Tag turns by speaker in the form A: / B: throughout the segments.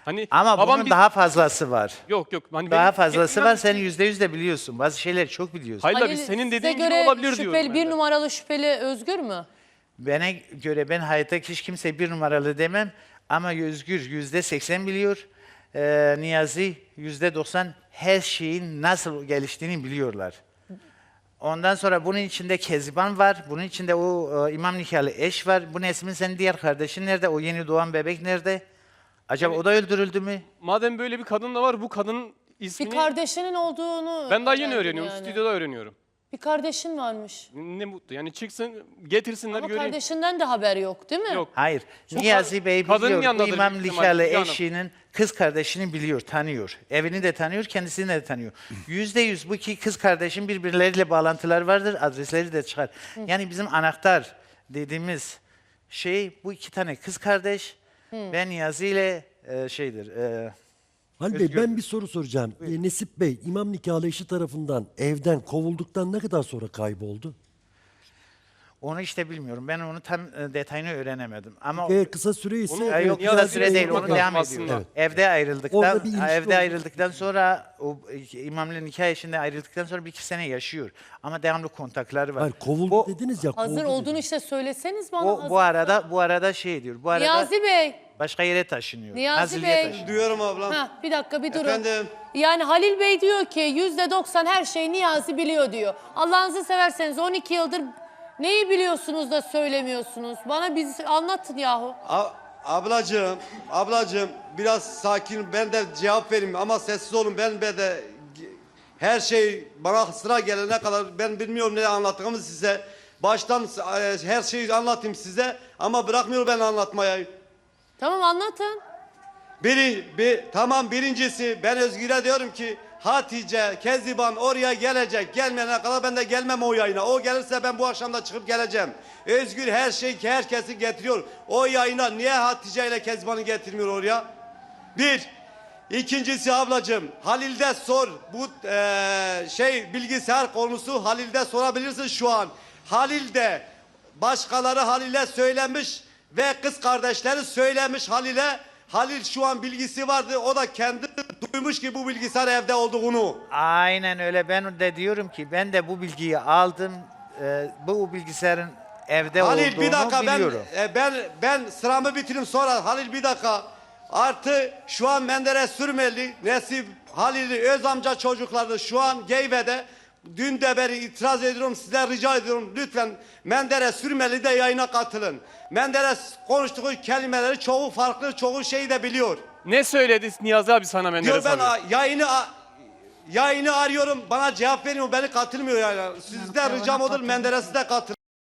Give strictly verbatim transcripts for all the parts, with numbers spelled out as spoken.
A: Hani
B: Ama
A: babam
B: bunun
A: biz-
B: daha fazlası var.
A: Yok yok. Hani
B: Daha
A: benim-
B: fazlası
A: benim-
B: var. Sen yüzde yüz de biliyorsun. Bazı şeyleri çok biliyorsun.
A: Hayır
C: Halil,
A: biz senin
C: size
A: dediğin gibi
C: göre
A: olabilir
C: şüpheli,
A: diyorum ben
C: bir
A: de.
C: numaralı şüpheli Özgür mü?
B: Bana göre ben hayatta hiç kimse bir numaralı demem. Ama Özgür yüzde seksen biliyor. Ee, Niyazi yüzde doksan her şeyin nasıl geliştiğini biliyorlar. Ondan sonra bunun içinde Kezban var. Bunun içinde o e, imam nikahlı eş var. Bu Nesmin senin diğer kardeşin nerede? O yeni doğan bebek nerede? Acaba
A: Yani-
B: o da öldürüldü mü?
A: Madem böyle bir kadın da var, bu kadının
C: Bir
A: ismini
C: kardeşinin olduğunu
A: ben daha yeni
C: öğrendim
A: öğreniyorum.
C: yani.
A: Stüdyoda öğreniyorum.
C: Bir kardeşin varmış.
A: Ne mutlu. Yani çıksın, getirsinler
C: Ama
A: göreyim.
C: kardeşinden de haber yok değil mi?
A: Yok.
B: Hayır. Niyazi Bey
A: kadının
B: biliyor. Bu
A: yanındadır
B: imam
A: büyük ihtimalle,
B: nikahlı
A: Müge Hanım.
B: eşinin kız kardeşini biliyor, tanıyor. Evini de tanıyor, kendisini de tanıyor. Yüzde yüz bu iki kız kardeşin birbirleriyle bağlantıları vardır, adresleri de çıkar. Yani bizim anahtar dediğimiz şey bu iki tane kız kardeş. Ben Niyazi ile e, şeydir. E,
D: Halil Bey
B: Özgür.
D: ben bir soru soracağım. Ee, Nesip Bey imam nikahlı eşi tarafından evden kovulduktan ne kadar sonra kayboldu?
B: onu işte bilmiyorum. Ben onu tam e, detayını öğrenemedim. Ama
D: Ee, kısa süre ise...
A: Onu-
B: Ay, yok
A: Ya
B: kısa
A: da
B: süre
A: direkt
B: değil,
A: sormak
B: onu devam
A: lazım
B: ediyor.
A: aslında.
D: Evet.
B: Evde ayrıldıktan,
D: Orada bir ilişki
B: evde
D: oldu.
B: ayrıldıktan sonra, o e, imamlı nikah eşinde ayrıldıktan sonra bir iki sene yaşıyor. Ama devamlı kontakları var.
D: Hayır kovuldu
B: Bu-
D: dediniz ya.
C: Hazır
D: kovuldu
C: olduğunu
D: dediniz.
C: işte söyleseniz bana.
B: Bu,
C: hazır.
B: bu arada bu arada şey diyor. Bu arada
C: Niyazi Bey.
B: başka yere taşınıyor.
C: Niyazi
B: Nazilli'ye
C: Bey.
B: taşınıyor.
E: Duyuyorum ablam.
C: Ha, bir dakika bir durun.
E: Efendim?
C: Yani Halil Bey diyor ki yüzde doksan her şeyi Niyazi biliyor diyor. Allah'ınızı severseniz on iki yıldır neyi biliyorsunuz da söylemiyorsunuz? Bana biz anlatın yahu.
E: A- ablacığım, ablacığım biraz sakin, ben de cevap vereyim ama sessiz olun. Ben be de her şey bana sıra gelene kadar ben bilmiyorum ne anlattığımı size. Baştan e, her şeyi anlatayım size ama bırakmıyor ben anlatmaya.
C: Tamam anlatın.
E: Biri, bir, tamam birincisi ben Özgür'e diyorum ki Hatice, Keziban oraya gelecek. Gelmeyene kadar ben de gelmem o yayına. O gelirse ben bu akşam da çıkıp geleceğim. Özgür her şeyi herkesi getiriyor. O yayına niye Hatice ile Keziban'ı getirmiyor oraya? Bir. İkincisi ablacığım Halil'de sor. Bu eee, şey bilgisayar konusu Halil'de sorabilirsin şu an. Halil'de başkaları Halil'e söylemiş ve kız kardeşleri söylemiş Halil'e. Halil şu an bilgisi vardı. O da kendi duymuş ki bu bilgisayar evde olduğunu.
B: Aynen öyle. Ben de diyorum ki ben de bu bilgiyi aldım. Ee, bu bilgisayarın evde
E: Halil
B: olduğunu
E: bir dakika ben
B: biliyorum.
E: e, ben ben sıramı bitireyim sonra Halil bir dakika. Artı şu an Menderes Sürmeli, Nesip, Halil'i öz amca çocukları şu an Geyve'de. Dün de beri itiraz ediyorum size rica ediyorum lütfen Menderes Sürmeli de yayına katılın. Menderes konuştuğu kelimeleri çoğu farklı çoğu şeyi de biliyor.
A: Ne söyledi Niyazi abi sana Menderes
E: Diyor ben
A: abi?
E: a- yayını a- yayını arıyorum bana cevap vermiyor beni katılmıyor yani. Sizden ricam odur Menderes'i de katılın.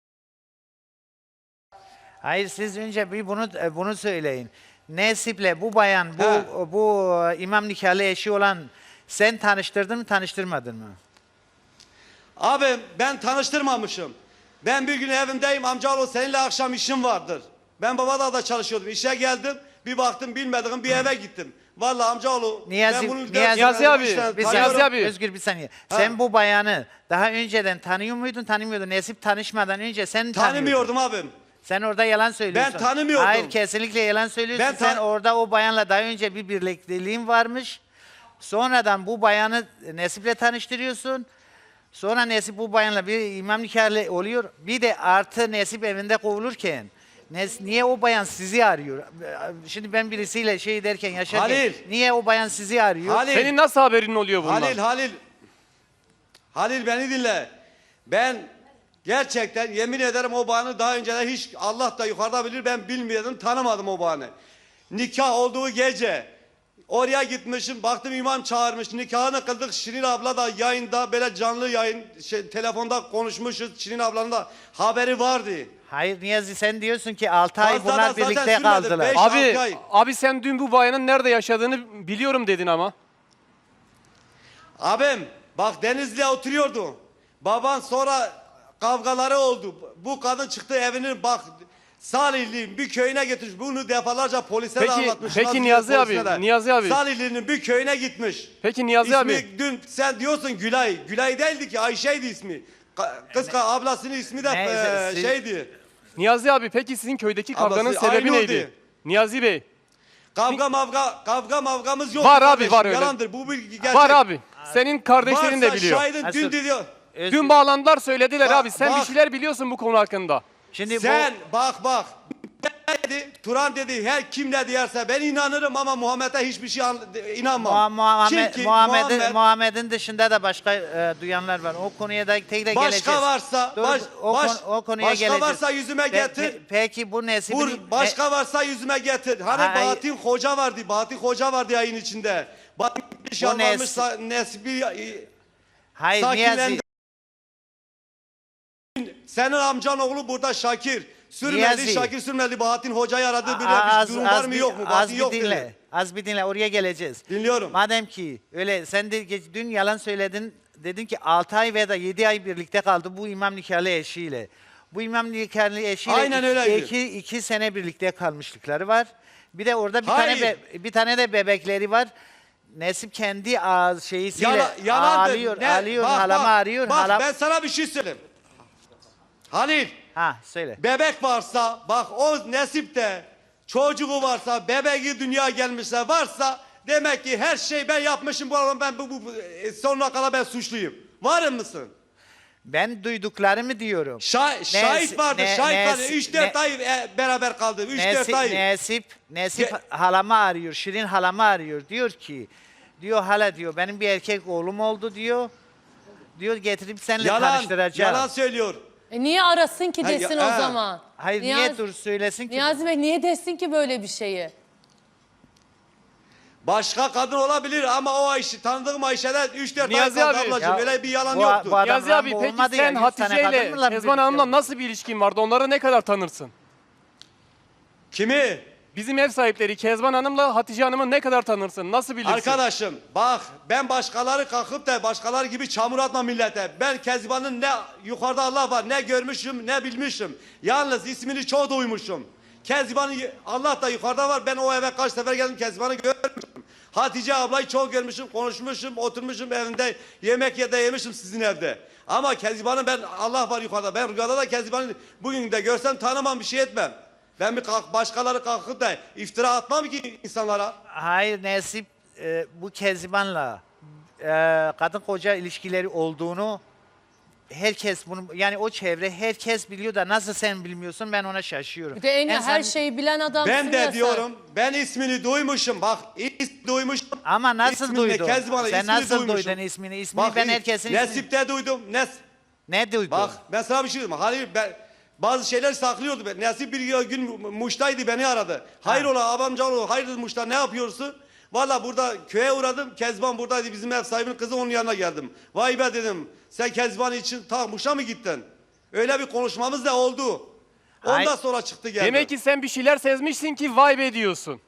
B: Hayır siz önce bir bunu e, bunu söyleyin. Nesip'le bu bayan bu
E: He.
B: bu e, imam nikahlı eşi olan sen tanıştırdın mı tanıştırmadın mı?
E: Abi ben tanıştırmamışım. Ben bir gün evimdeyim amcaoğlu seninle akşam işim vardır. Ben Babadağ'da çalışıyordum. İşe geldim. Bir baktım bilmediğim bir eve gittim. Vallahi amcaoğlu
B: Niyazi-
E: ben bunu
B: Niyazi-
A: Niyazi abi,
B: Bir
A: Niyazi
B: saniye,
A: abi.
B: Özgür bir saniye. Sen bu bayanı daha önceden tanıyor muydun, tanımıyordun? Nesip tanışmadan önce sen tanıyordun.
E: tanımıyordum abim.
B: Sen orada yalan söylüyorsun.
E: Ben tanımıyordum.
B: Hayır kesinlikle yalan söylüyorsun.
E: Ben
B: Sen
E: tan-
B: orada o bayanla daha önce bir birlikteliğin varmış. Sonradan bu bayanı Nesip'le tanıştırıyorsun. Sonra Nesip bu bayanla bir imam nikahlı oluyor. Bir de artı Nesip evinde kovulurken Nes- niye o bayan sizi arıyor? Şimdi ben birisiyle şey derken yaşarken
E: Halil.
B: niye o bayan sizi arıyor?
E: Halil.
A: Senin nasıl haberin oluyor bundan?
E: Halil Halil. Halil beni dinle. Ben gerçekten yemin ederim o bayanı daha önceden hiç Allah da yukarıda bilir ben bilmiyordum tanımadım o bayanı. Nikah olduğu gece oraya gitmişim baktım imam çağırmış nikahını kıldık Şirin abla da yayında böyle canlı yayın şey, telefonda konuşmuşuz Şirin ablanın da haberi vardı.
B: Hayır Niyazi sen diyorsun ki altı ay
E: Fazla da
B: bunlar
E: zaten
B: birlikte
E: sürmedi,
B: kaldılar.
E: beş-
A: Abi,
E: altı ay.
A: abi sen dün bu bayanın nerede yaşadığını biliyorum dedin ama.
E: Abim bak Denizli'ye oturuyordu. Baban sonra kavgaları oldu. Bu kadın çıktı evinin bak Salihli'nin bir köyüne gitmiş. Bunu defalarca polise de
A: Peki-
E: anlatmış.
A: peki
E: Nazilli
A: Niyazi
E: polisine
A: abi,
E: de.
A: Niyazi abi.
E: Salihli'nin bir köyüne gitmiş.
A: Peki Niyazi
E: İsmi
A: abi.
E: dün sen diyorsun Gülay. Gülay değildi ki Ayşe'ydi ismi. Ka- Kız ka- ablasının ismi de
B: Neyse,
E: eee,
B: siz-
E: şeydi.
A: Niyazi abi peki sizin köydeki kavganın
E: Ablası
A: sebebi
E: Aynur'du.
A: neydi? Niyazi Bey.
E: Kavga mavga kavga mavgamız yok.
A: Var abi, var öyle.
E: Yalandır. Bu bilgi gerçek.
A: Var abi. Senin kardeşlerin de
E: Varsa
A: biliyor.
E: şahidin
B: Nasıl?
E: dün diyor.
B: Özgür,
A: Dün bağlandılar söylediler
E: Bak,
A: abi. Sen
E: bak.
A: bir şeyler biliyorsun bu konu hakkında.
B: şimdi
E: Sen bak bak. Ne dedi? Turan dedi her kim ne diyerse ben inanırım ama Muhammed'e hiçbir şey an-
B: bu
E: inanmam.
B: Muha- Muhammed,
E: Çünkü
B: Muhammed'in
E: Muhammed
B: Muhammed'in dışında da başka e, duyanlar var. O konuya da tekrar geleceğiz.
E: başka varsa
B: Dur,
E: baş,
B: o,
E: baş,
B: konu- o konuya
E: başka
B: geleceğiz.
E: varsa yüzüme
B: Pe-
E: getir.
B: pe- peki bu Nesip'in...
E: Vur, başka varsa yüzüme getir. Hani
B: Hayır.
E: Bahattin Hoca vardı. Bahattin Hoca vardı yayın içinde. Bahattin
B: Bu
E: yalvarmış
B: Nes-
E: Nesbi
B: Hayır
E: sakinlendi.
B: Niyazi.
E: Senin amcan oğlu burada Şakir. Sürmedi,
B: Niyazi.
E: Şakir sürmedi. Bahattin Hoca'yı aradı. Bir,
B: Az,
E: bir durum
B: az
E: var mı
B: bir-
E: yok mu?
B: Az
E: Bahattin
B: bir
E: yok
B: dinle.
E: dedi.
B: Az bir dinle. Oraya geleceğiz.
E: Dinliyorum.
B: Madem ki öyle sen de geç- dün yalan söyledin. Dedin ki altı ay veya da yedi ay birlikte kaldı bu imam nikahlı eşiyle. Bu imam nikahlı eşiyle
E: Aynen
B: iki,
E: öyleydi.
B: iki, iki sene birlikte kalmışlıkları var. Bir de orada bir
E: Hayır.
B: tane be- bir tane de bebekleri var. Nesip kendi ağız şeysiyle
E: Yala, yalandır.
B: ağlıyor,
E: Ne?
B: ağlıyor,
E: Bak,
B: halama
E: bak,
B: arıyor.
E: Bak
B: halam...
E: ben sana bir şey söyleyeyim. Halil,
B: Ha söyle.
E: bebek varsa, bak o nesipte çocuğu varsa, bebeği dünyaya gelmişse varsa demek ki her şey ben yapmışım bu arada ben bu, bu, bu e, sonuna kadar ben suçluyum. Varım mısın?
B: Ben duyduklarımı diyorum.
E: Şah, şahit vardı,
B: ne-
E: şahit vardı.
B: nes-
E: üç dört
B: ne-
E: ay e, beraber kaldı. üç dört
B: Nesip,
E: ay.
B: Nesip, Nesip
E: Ge-
B: halama arıyor, Şirin halama arıyor. Diyor ki, diyor hala diyor benim bir erkek oğlum oldu diyor. Diyor getirip seninle
E: Yalan,
B: tanıştıracağım.
E: yalan söylüyor.
C: E niye arasın ki
E: Ha,
C: desin
E: ya-
C: o
E: ha.
C: zaman?
B: Hayır niye
C: Niyazi-
B: dur söylesin ki?
C: Niyazi Bey niye desin ki böyle bir şeyi?
E: Başka kadın olabilir ama o Ayşe, tanıdığım Ayşe'den üç dört ay
A: Niyazi
E: kaldı
A: abi,
E: ablacığım.
B: ya
E: Öyle bir yalan
B: bu-
E: yoktu.
B: bu adam-
A: Niyazi abi
B: Rambo
A: peki
B: olmadı ya,
A: sen
B: yüz tane
A: Hatice ile
B: kadınla
A: Kezban
B: birlikte
A: Hanım'la
B: oldu.
A: nasıl bir ilişkin vardı? Onları ne kadar tanırsın?
E: Kimi?
A: Bizim ev sahipleri Kezban Hanım'la Hatice Hanım'ı ne kadar tanırsın? Nasıl bilirsin?
E: Arkadaşım bak ben başkaları kalkıp da başkaları gibi çamur atma millete. Ben Kezban'ın ne yukarıda Allah var ne görmüşüm ne bilmişim. Yalnız ismini çok duymuşum. Kezban'ın Allah da yukarıda var. Ben o eve kaç sefer geldim Kezban'ı görmüşüm. Hatice ablayı çok görmüşüm, konuşmuşum, oturmuşum evinde yemek ya da yemişim sizin evde. Ama Kezban'ı ben Allah var yukarıda. Ben rüyada da Kezban'ı bugün de görsem tanımam bir şey etmem. Ben bir kalk, başkaları kalkıp da iftira atmam ki insanlara.
B: Hayır Nesip e, bu Kezban'la e, kadın koca ilişkileri olduğunu herkes bunu yani o çevre herkes biliyor da nasıl sen bilmiyorsun ben ona şaşıyorum.
C: Bir de en,
B: En
C: her
B: son-
C: şeyi bilen adamsın
E: Ben
C: ya
E: de
C: sen.
E: diyorum ben ismini duymuşum bak ismini duymuşum.
B: Ama nasıl
E: İsmini,
B: duydun?
E: Kezban'ı
B: Sen
E: ismini
B: nasıl
E: duymuşum.
B: duydun ismini? İsmini
E: Bak,
B: ben herkesin ismini...
E: Nesip'te duydum. Nes
B: Ne duydun?
E: bak ben sana bir şey diyeyim. Halil ben bazı şeyler saklıyordu. Ben. Nesip bir gün Muş'taydı beni aradı. Hayrola abamcaoğlu hayırdır Muş'ta ne yapıyorsun? Valla burada köye uğradım. Kezban buradaydı bizim ev sahibinin kızı onun yanına geldim. Vay be dedim sen Kezban için ta Muş'a mı gittin? Öyle bir konuşmamız da oldu. Ondan
B: Ay-
E: sonra çıktı geldi.
A: Demek ki sen bir şeyler sezmişsin ki vay be diyorsun.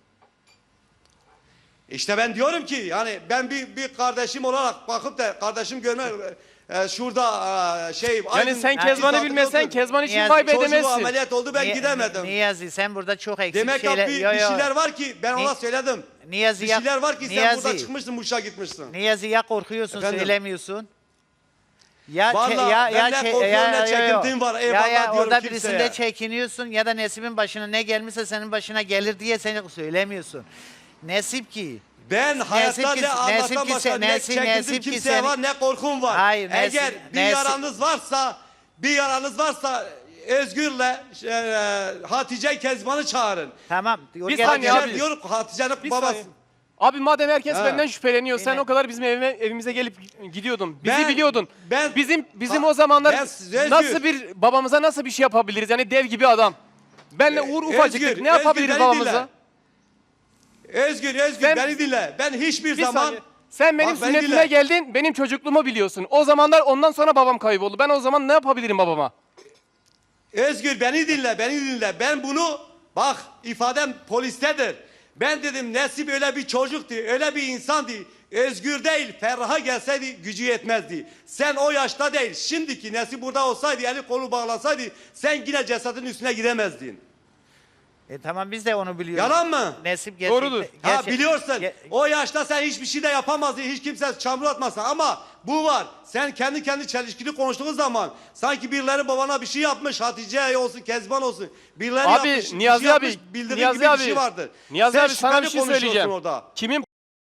E: İşte ben diyorum ki yani ben bir bir kardeşim olarak bakıp da kardeşim görme e, şurada e, şey
A: Yani sen
B: Yani
A: Kezban'ı
E: zaten
A: bilmesen
E: yoktu.
A: Kezban için
B: Niyazi,
A: vay be
E: Çocuğu
A: demezsin.
E: ameliyat oldu ben
B: Ni-
E: gidemedim.
B: Niyazi sen burada çok eksik
E: Demek ki
B: şeyler...
E: bir,
B: Yo,
E: bir
B: yo.
E: şeyler var ki ben
B: Ni-
E: ona söyledim.
B: Niyazi
E: bir
B: ya-
E: şeyler var ki sen
B: Niyazi.
E: burada çıkmışsın Muş'a gitmişsin.
B: Niyazi ya korkuyorsun
E: Efendim?
B: söylemiyorsun. Ya
E: Vallahi
B: çe- ya
E: ben
B: ya
E: ne
B: çe-
E: korkuyorum,
B: ya-
E: ne
B: yo, yo.
E: çekintiğim var.
B: Ya
E: Eyvallah
B: ya
E: diyorum
B: orada
E: kimseye.
B: birisinde çekiniyorsun ya da Nesip'in başına ne gelmişse senin başına gelir diye seni söylemiyorsun. Nesip ki
E: Ben hayatta
B: ki-
E: ne Allah'tan
B: Nesip ki-
E: başka ne
B: Nesip-
E: çekintim
B: Nesip ki
E: kimseye
B: seni-
E: var ne korkum var.
B: Hayır, Nesip-
E: Eğer bir
B: Nesip-
E: yaranız varsa bir yaranız varsa Özgür'le e, Hatice Kezban'ı çağırın.
B: tamam.
A: Bir
B: Gel-
A: saniye
B: gel-
A: abi.
E: Diyor Hatice'nin
A: Bir
E: babası.
A: saniye. Abi madem herkes
E: Ha.
A: benden şüpheleniyor, sen
B: Yine-
A: o kadar bizim evime, evimize gelip gidiyordun. Bizi
E: Ben-
A: biliyordun.
E: ben-
A: bizim bizim
E: Ha,
A: o zamanlar
E: ben size
A: nasıl
E: Özgür-
A: bir babamıza nasıl bir şey yapabiliriz? Yani dev gibi adam. Benle Uğur ufacıktık.
E: Özgür,
A: Ne yapabiliriz
E: Özgür, beni
A: babamıza?
E: Özgür, Özgür
A: Ben-
E: beni dinle. Ben hiçbir
A: Bir
E: zaman
A: saniye. Sen benim
E: Bak, beni
A: sünnetime
E: dinle.
A: geldin, benim çocukluğumu biliyorsun. O zamanlar ondan sonra babam kayboldu. Ben o zaman ne yapabilirim babama?
E: Özgür beni dinle, beni dinle. Ben bunu bak ifadem polistedir. Ben dedim Nesip öyle bir çocuktu, öyle bir insandı. Özgür değil, Ferrah'a gelseydi gücü yetmezdi. Sen o yaşta değil, şimdiki Nesip burada olsaydı, eli kolu bağlasaydı sen yine cesedin üstüne gidemezdin.
B: E, tamam biz de onu biliyoruz.
E: Yalan mı?
B: Nesip gerçek.
A: Doğrudur.
E: Ha
B: gerçek-
E: biliyorsun.
B: ge-
E: O yaşta sen hiçbir şey de yapamazdın. Hiç kimse çamur atmasın. Ama bu var. Sen kendi kendi çelişkili konuştuğun zaman sanki birileri babana bir şey yapmış. Hatice olsun, Kezban olsun. Birileri
A: Abi
E: yapmış, bir
A: Niyazi
E: şey
A: abi,
E: yapmış, bildiğin
A: Niyazi
E: gibi
A: abi,
E: bir şey vardır.
A: Niyazi
E: Sen
A: abi sana bir
E: şüpheli
A: şey
E: konuşuyorsun
A: söyleyeceğim.
E: orada.
A: Kimin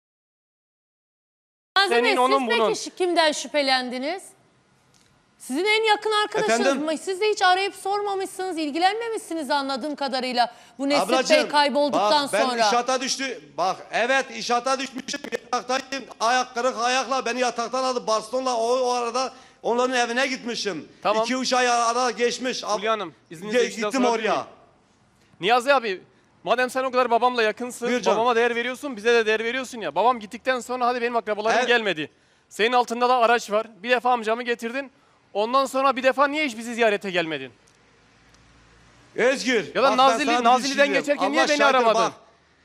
C: Niyazi
A: senin,
C: Bey,
A: onun,
C: siz peki
A: bunun.
C: şi- kimden şüphelendiniz? Sizin en yakın arkadaşınız
E: Efendim?
C: mı? Siz de hiç arayıp sormamışsınız, ilgilenmemişsiniz anladığım kadarıyla bu Nesip Bey
E: Ablacığım,
C: kaybolduktan
E: bak, ben
C: sonra.
E: inşaata düştü. Bak evet inşaata düşmüşüm. Yataktayım. Ayak kırık ayakla beni yataktan aldı. Bastonla o, o arada onların evine gitmişim.
A: Tamam.
E: İki üç ay arada geçmiş. Ab-
A: Hülya Hanım, izninizle
E: Ge-
A: bir şey daha
E: Gittim
A: sorabilir
E: oraya.
A: miyim? Niyazi abi, madem sen o kadar babamla yakınsın,
E: Buyur canım.
A: babama değer veriyorsun, bize de değer veriyorsun ya. Babam gittikten sonra hadi benim akrabalarım
E: Evet.
A: gelmedi. Senin altında da araç var. Bir defa amcamı getirdin. Ondan sonra bir defa niye hiç bizi ziyarete gelmedin?
E: Özgür.
A: Ya da
E: bak ben
A: Nazilli-
E: sana bir
A: Nazilli'den
E: şey diyeyim.
A: geçerken niye
E: Allah
A: beni
E: şahittir,
A: aramadın?
E: bak.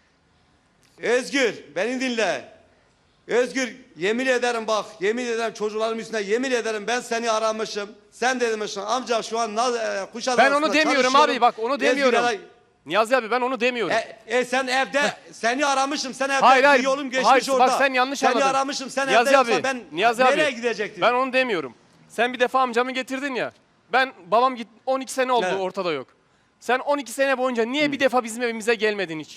E: Özgür beni dinle. Özgür yemin ederim bak yemin ederim çocuklarım üstüne yemin ederim ben seni aramışım. Sen de demişsin amca şu an Naz, e, Kuşadası'nda
A: Ben onu demiyorum
E: çalışıyorum.
A: abi, bak onu demiyorum.
E: Özgür'e-
A: Niyazi abi ben onu demiyorum.
E: E, e sen evde seni aramışım sen evde
A: Hayır, hayır.
E: bir yolum geçmiş
A: Hayır, bak
E: orada.
A: sen yanlış
E: seni
A: anladın.
E: aramışım sen
A: Niyazi
E: evde
A: abi,
E: yoksa ben
A: Niyazi
E: nereye
A: abi,
E: gidecektim?
A: Ben onu demiyorum. Sen bir defa amcamı getirdin ya. Ben babam git on iki sene oldu
E: Evet.
A: ortada yok. Sen on iki sene boyunca niye bir defa bizim evimize gelmedin hiç?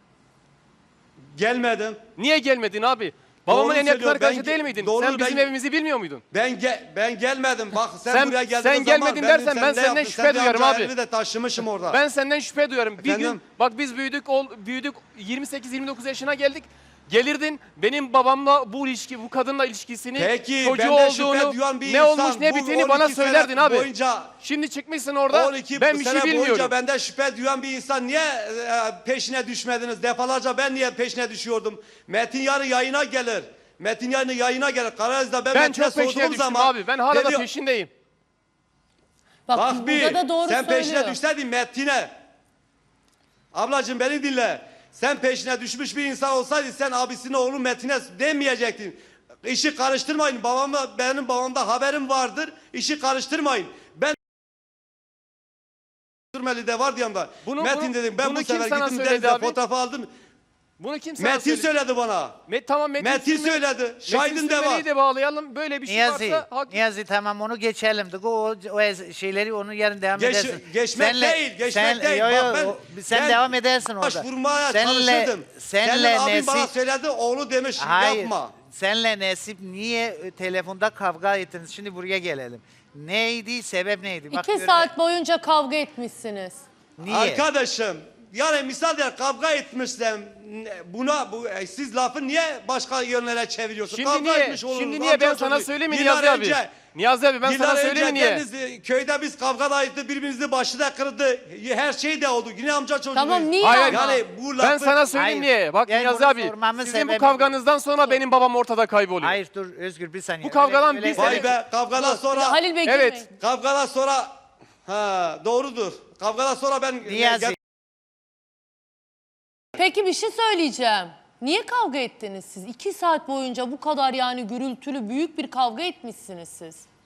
E: Gelmedim.
A: Niye gelmedin abi? Babamın
E: Doğru
A: en yakın
E: söylüyor,
A: arkadaşı
E: ben
A: değil
E: ge-
A: miydin?
E: doğru,
A: Sen bizim
E: ben-
A: evimizi bilmiyor muydun?
E: Ben ge ben gelmedim. Bak sen,
A: Sen-
E: buraya geldiğin
A: sen
E: zaman
A: gelmedin
E: ben
A: dersen ben
E: seninle
A: senden
E: yaptım.
A: şüphe
E: Sen bir
A: duyarım
E: amca
A: abi.
E: elini de taşımışım orada.
A: Ben senden şüphe duyarım. Bir gün
E: Efendim?
A: bak biz büyüdük ol, büyüdük yirmi sekiz yirmi dokuz yaşına geldik. Gelirdin benim babamla bu ilişki bu kadınla ilişkisini
E: Peki,
A: çocuğu
E: benden şüphe
A: olduğunu
E: duyan bir
A: ne
E: insan
A: olmuş ne
E: bu
A: biteni
E: on
A: bana
E: iki sene
A: söylerdin abi.
E: boyunca-
A: Şimdi çıkmışsın orada
E: on iki
A: ben bir şey
E: sene boyunca
A: bilmiyorum.
E: benden şüphe duyan bir insan niye e, peşine düşmediniz? Defalarca ben niye peşine düşüyordum? Metin yarın yayına gelir. Metin yarın yayına gelir. Karaöz'de ben,
A: Ben
E: Metin'e
A: çok peşine
E: sorduğum
A: düştüm
E: zaman
A: abi. Ben hala
E: dedi-
A: da peşindeyim.
C: Bak,
E: Bak bir
C: burada da doğru
E: sen
C: söylüyor.
E: peşine düşseydin Metin'e. Ablacığım beni dinle. Sen peşine düşmüş bir insan olsaydın sen abisinin oğlu Metin'e demeyecektin. İşi karıştırmayın. Babamla benim babamda haberim vardır. İşi karıştırmayın. Ben de var yanımda.
A: Bunu-
E: Metin
A: bunu-
E: dedim ben
A: bunu
E: bu
A: kim
E: sefer
A: sana
E: gittim
A: söyledi
E: denize
A: abi?
E: fotoğrafı aldım.
A: Bunu kim sana
E: Metin
A: söyledi?
E: söyledi bana.
A: Met, tamam Metin,
E: Metin
A: Sürmeli-
E: söyledi. Şahidin
A: Metin
E: de var.
A: Sürmeli'yi de bağlayalım. Böyle bir şey
B: Niyazi,
A: varsa hak...
B: Niyazi tamam onu geçelim. de. O, o, o ez- şeyleri onu yarın devam
E: Geç-
B: edersin.
E: geçmek değil, geçmek
B: sen,
E: değil.
B: Yo, yo,
E: Bak ben-
B: o- sen
E: ben
B: devam edersin orada.
E: Başvurmaya
B: Senle,
E: çalışırdım.
B: senle
E: Senin abin bana
B: Nesip,
E: söyledi oğlu demiş
B: hayır,
E: yapma.
B: senle Nesip niye e, telefonda kavga ettiniz? Şimdi buraya gelelim. Neydi, sebep neydi? Bak,
C: İki
B: gör-
C: saat boyunca kavga etmişsiniz.
B: Niye?
E: Arkadaşım yani misal der kavga etmişsem buna bu e, siz lafı niye başka yönlere çeviriyorsun?
A: Şimdi
E: Kavga
A: niye,
E: etmiş oluruz,
A: şimdi niye ben
E: amca
A: sana
E: çocuğu.
A: söyleyeyim mi
E: Yıllar
A: Niyazi abi?
E: önce-
A: Niyazi abi ben
E: Yıllar
A: sana söyleyeyim mi
E: önce
A: niye?
E: Deniz, köyde biz kavga da ettik, birbirimizin başı da kırdı. Her şey de oldu. Yine amca çocuğu.
C: Tamam, niye
A: Hayır,
C: ama?
E: Yani bu
A: Ben
E: lafı...
A: sana söyleyeyim
B: Hayır,
A: niye. Bak
B: ben
A: Niyazi
B: bunu
A: abi
B: sormamın
A: sizin bu
B: sebebi-
A: kavganızdan sonra benim babam ortada kayboluyor.
B: Hayır dur Özgür bir saniye.
A: Bu kavgadan
B: Öyle-
A: biz-
B: öyle-
E: Vay be kavgadan sonra...
C: Halil Bey
A: Evet.
C: girmeyin.
E: Kavgadan sonra... Ha doğrudur. Kavgadan sonra ben...
B: Niyazi.
C: Peki bir şey söyleyeceğim. Niye kavga ettiniz siz? İki saat boyunca bu kadar yani gürültülü büyük bir kavga etmişsiniz siz.